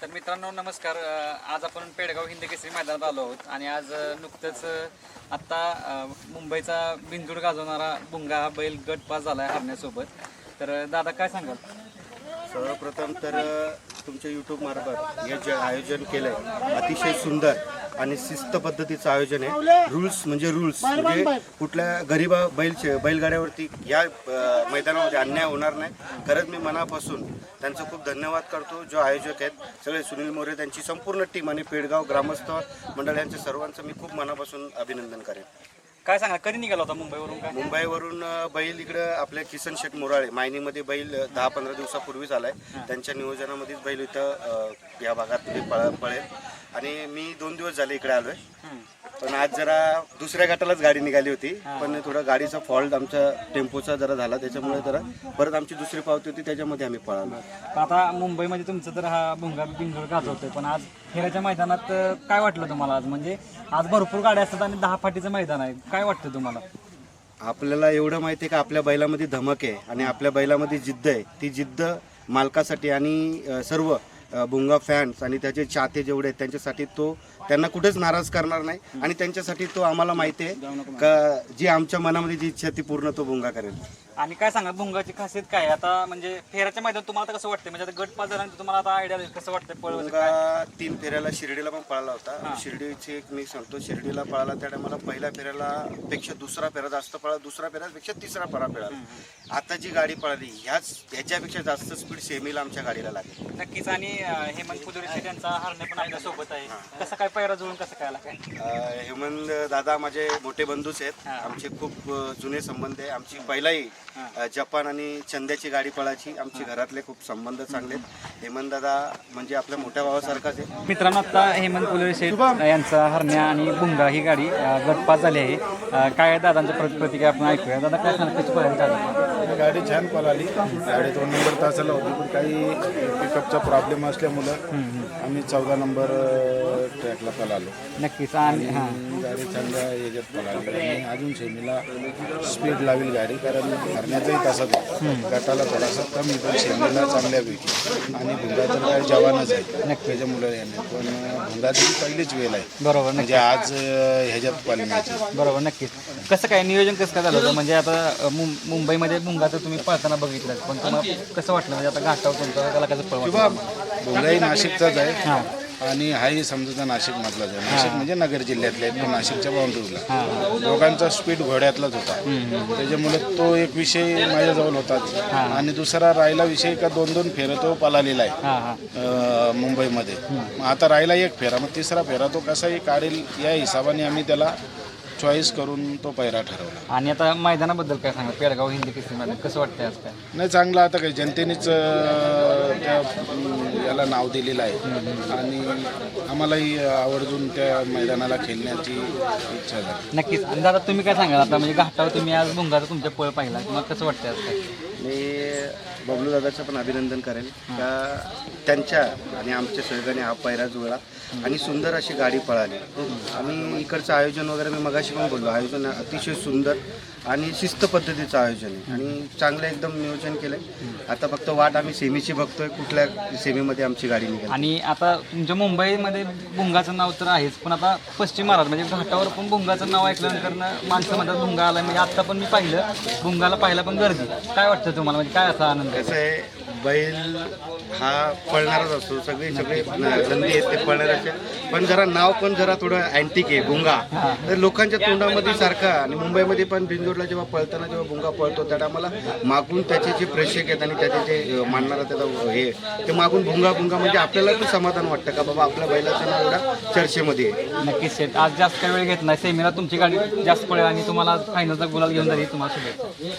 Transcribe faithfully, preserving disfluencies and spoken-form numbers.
तर मित्रांनो नमस्कार. आज आपण पेडगाव हिंद केसरी मैदानात आलो आहोत आणि आज नुकतंच आत्ता मुंबईचा बिंदूड गाजवणारा बुंगा हा बैल गट पास झाला आहे हरण्यासोबत. तर दादा काय सांगाल? सर्वप्रथम तर तुमच्या यूट्यूब मार्फत हे जे आयोजन केलं आहे अतिशय सुंदर आणि शिस्त पद्धतीचं आयोजन आहे. रूल्स म्हणजे रूल्स म्हणजे कुठल्या गरीबा बैल बैलगाड्यावरती या मैदानामध्ये अन्याय होणार नाही. खरंच मी मनापासून त्यांचं खूप धन्यवाद करतो. जो आयोजक आहेत सगळे सुनील मोरे, त्यांची संपूर्ण टीम आणि पेडगाव ग्रामस्थ मंडळ यांच्या सर्वांचं मी खूप मनापासून अभिनंदन करेन. काय सांगा, कधी निघाला होता मुंबईवरून? काय मुंबईवरून बैल इकडं आपल्या किसन शेठ मोराळे मायनीमध्ये बैल दहा पंधरा दिवसापूर्वी झालाय. त्यांच्या नियोजनामध्येच बैल इथं या भागात पळ पळेल आणि मी दोन दिवस झाले इकडे आलोय. पण आज जरा दुसऱ्या गटालाच गाडी निघाली होती, पण थोडा गाडीचा फॉल्ट आमच्या टेम्पोचा जरा झाला, त्याच्यामुळे जरा परत आमची दुसरी पावती होती त्याच्यामध्ये आम्ही पळालो. आता मुंबईमध्ये तुमचं तर हा भुंगा बिंदूड गाजवतोय, पण आज खेळाच्या मैदानात काय वाटलं तुम्हाला? आज म्हणजे आज भरपूर गाड्या असतात आणि दहा फाटीचं मैदान आहे, काय वाटतं तुम्हाला? आपल्याला एवढं माहिती आहे का आपल्या बैलामध्ये धमक आहे आणि आपल्या बैलामध्ये जिद्द आहे. ती जिद्द मालकासाठी आणि सर्व भुंगा फॅन्स आणि त्याचे चाहते जेवढे आहेत त्यांच्यासाठी तो त्यांना कुठेच नाराज करणार नाही आणि त्यांच्यासाठी तो आम्हाला माहिती आहे का जी आमच्या मनामध्ये जी इच्छा ती पूर्ण तो भुंगा करेल. आणि काय सांगा भुंगाची खासियत काय आता? म्हणजे फेऱ्याच्या मैदानात तुम्हाला कसं वाटतं? म्हणजे आता गट पास झाल्यानंतर तुम्हाला आता आयडिया कसं वाटतं? भुंगा तीन फेऱ्याला शिर्डीला पण पळाला होता. शिर्डीची एक मी सांगतो, शिर्डीला पळाला त्या मला पहिल्या फेऱ्याला पेक्षा दुसरा फेरा जास्त पळाला, दुसरा फेऱ्यापेक्षा तिसरा फेरा पळाला. आता जी गाडी पळाली ह्याच ह्याच्यापेक्षा जास्त स्पीड सेमीला आमच्या गाडीला लागली. नक्कीच. आणि हेमंत कुदुरे त्यांचा हरणे पण आहे सोबत आहे, कसं काय पैरा जुळून कसं काय आला काय? हेमंत दादा माझे मोठे बंधूच आहेत, आमचे खूप जुने संबंध आहे. आमची पहिलाही जपान आणि चंद्याची गाडी पळायची, आमची घरातले खूप संबंध चांगले आहेत. हेमंत दादा म्हणजे आपल्या मोठ्या भावासारखाच आहे. मित्रांनो आता हेमंत कुदुरे शेठ यांचा हरण्या आणि भुंगा ही गाडी गट पास झाली आहे. काय दादांच्या प्रतिक्रिया आपण ऐकूया. दादा काय सांगा, कशी पळाली गाडी? छान पळाली गाडी. दोन नंबर तासाला होती, पण काही पिकअपचा प्रॉब्लेम असल्यामुळं आम्ही चौदा नंबर ट्रॅकला पळालो. नक्कीच. आणि गाडी चांगल्या याच्यात पळाली आणि अजून सेमीला स्पीड लावेल गाडी, कारण हरण्याचाही तसाच गटाला थोडासा कमी, पण सेमीला चांगल्यापैकी. आणि भुंगा तर काय जवानच आहे त्याच्यामुळे याने, पण भुंगाची पहिलीच वेळ आहे. बरोबर. म्हणजे आज ह्याच्यात पळण्याची. बरोबर. नक्कीच. कसं काय नियोजन कसं काय झालं होतं? म्हणजे आता मुंबईमध्ये भुंगा तर तुम्ही पळताना बघितलं, पण तुम्हाला कसं वाटलं? म्हणजे आता घाटावर तुमचं त्याला कसं पळवा? भुंगाही नाशिकचाच आहे आणि हाही समजा नाशिक मधलाच आहे. नाशिक म्हणजे नगर जिल्ह्यातले आहेत, पण नाशिकच्या बाउंड्रीला. दोघांचा स्पीड घोड्यातलाच होता, त्याच्यामुळे तो एक विषय माझ्याजवळ होताच. आणि दुसरा राहिला विषय का दोन दोन फेरं तो पळालेला आहे मुंबईमध्ये. मग आता राहिला एक फेरा, मग तिसरा फेरा तो कसाही काढेल या हिशोबाने आम्ही त्याला चॉईस करून तो पैरा ठरवला. आणि आता मैदानाबद्दल काय सांगा? पेडगाव हिंदी केसरी मैदान कसं वाटतंय आज? काय नाही, चांगलं. आता काही जनतेनेच त्या याला नाव दिलेलं आहे आणि आम्हालाही आवर्जून त्या मैदानाला खेळण्याची इच्छा झाली. नक्कीच. आणि दादा तुम्ही काय सांगाल आता? म्हणजे घाटावर तुम्ही आज भुंगाचा तुमच्या पळ पाहिला, मग कसं वाटतंय आज? काय मी बबलू दादाचं पण अभिनंदन करेल का त्यांच्या आणि आमच्या सहयोगाने हा पैरा जुळला आणि सुंदर अशी गाडी पळाली. आम्ही इकडचं आयोजन वगैरे मी मगाशी पण बोललो, आयोजन अतिशय सुंदर आणि शिस्त पद्धतीचं आयोजन आहे आणि चांगलं एकदम नियोजन केलं आहे. आता फक्त वाट आम्ही सेमीची बघतोय, कुठल्या सेमीमध्ये आमची गाडी निघेल. आणि आता तुमच्या मुंबईमध्ये भुंगाचं नाव तर आहेच, पण आता पश्चिम महाराष्ट्र म्हणजे घाटावर पण भुंगाचं नाव ऐकल्यानंतर माणसं म्हणतात भुंगा आला. म्हणजे आता पण मी पाहिलं भुंगाला पाहिलं, पण गर्दी. काय वाटतं तुम्हाला? म्हणजे काय असा आनंद? कसं आहे, बैल हा पळणारच असतो, सगळे सगळे नंदी आहेत ते पळणारच, पण जरा नाव पण जरा थोडं अँटिक आहे भुंगा. तर लोकांच्या तोंडामध्ये सारखा. आणि मुंबईमध्ये पण बिंजोडला जेव्हा पळताना जेव्हा भुंगा पळतो त्याला आम्हाला मागून त्याचे जे प्रेक्षक आहेत आणि त्याचे जे मानणारा त्याचा हे ते मागून भुंगा भुंगा म्हणजे आपल्याला पण समाधान वाटतं का बाबा आपल्या बैलाचं नाव एवढा चर्चेमध्ये आहे. नक्कीच शेठ. आज जास्त काही वेळ घेत नाही, सेमीला तुमची गाडी जास्त पडेल आणि तुम्हाला फायनलचा गुलाल घेऊन जाईल. तुम्हाला शुभेच्छा.